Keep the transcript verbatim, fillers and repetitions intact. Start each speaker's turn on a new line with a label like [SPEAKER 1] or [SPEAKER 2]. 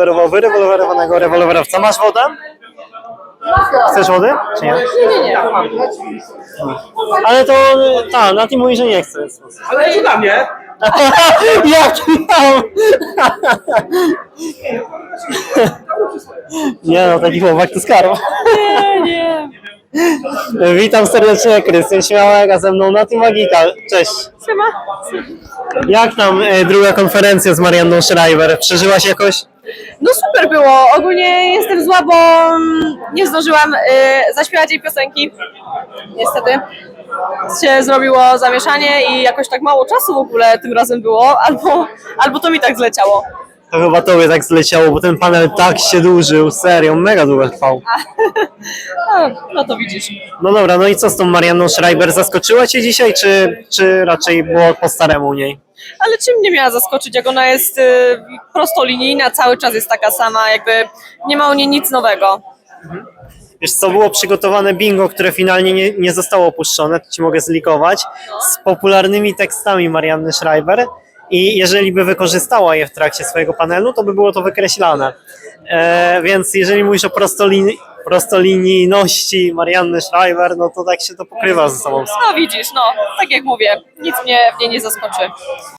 [SPEAKER 1] rewolwerował wyrewolwerowanego rewolwerowca. Masz wodę? Chcesz wody? Czy nie?
[SPEAKER 2] Nie, nie, nie.
[SPEAKER 1] Ale to, tak, Nati mówi, że nie chce.
[SPEAKER 3] Ale to dla mnie.
[SPEAKER 1] Jak tam? Nie no, taki chłopak to skarb.
[SPEAKER 2] Nie, nie.
[SPEAKER 1] Witam serdecznie, Krystian Śmiałek, a ze mną Nati Magika. Cześć.
[SPEAKER 2] Siema.
[SPEAKER 1] Jak tam e, druga konferencja z Marianną Schreiber? Przeżyłaś jakoś?
[SPEAKER 2] No super było. Ogólnie jestem zła, bo mm, nie zdążyłam y, zaśpiewać jej piosenki. Niestety. Się zrobiło zamieszanie i jakoś tak mało czasu w ogóle tym razem było, albo, albo to mi tak zleciało.
[SPEAKER 1] To chyba tobie tak zleciało, bo ten panel tak się dłużył, serio, mega długo trwał.
[SPEAKER 2] No, no to widzisz.
[SPEAKER 1] No dobra, no i co z tą Marianną Schreiber? Zaskoczyła cię dzisiaj, czy, czy raczej było po staremu u niej?
[SPEAKER 2] Ale czym mnie miała zaskoczyć, jak ona jest y, prostolinijna, cały czas jest taka sama, jakby nie ma u niej nic nowego.
[SPEAKER 1] Wiesz co, było przygotowane bingo, które finalnie nie, nie zostało opuszczone, to ci mogę zlikować, z popularnymi tekstami Marianny Schreiber i jeżeli by wykorzystała je w trakcie swojego panelu, to by było to wykreślane. E, więc jeżeli mówisz o prostolini- prostolinijności Marianny Schreiber, no to tak się to pokrywa ze sobą.
[SPEAKER 2] No widzisz, no, tak jak mówię, nic mnie w niej nie zaskoczy.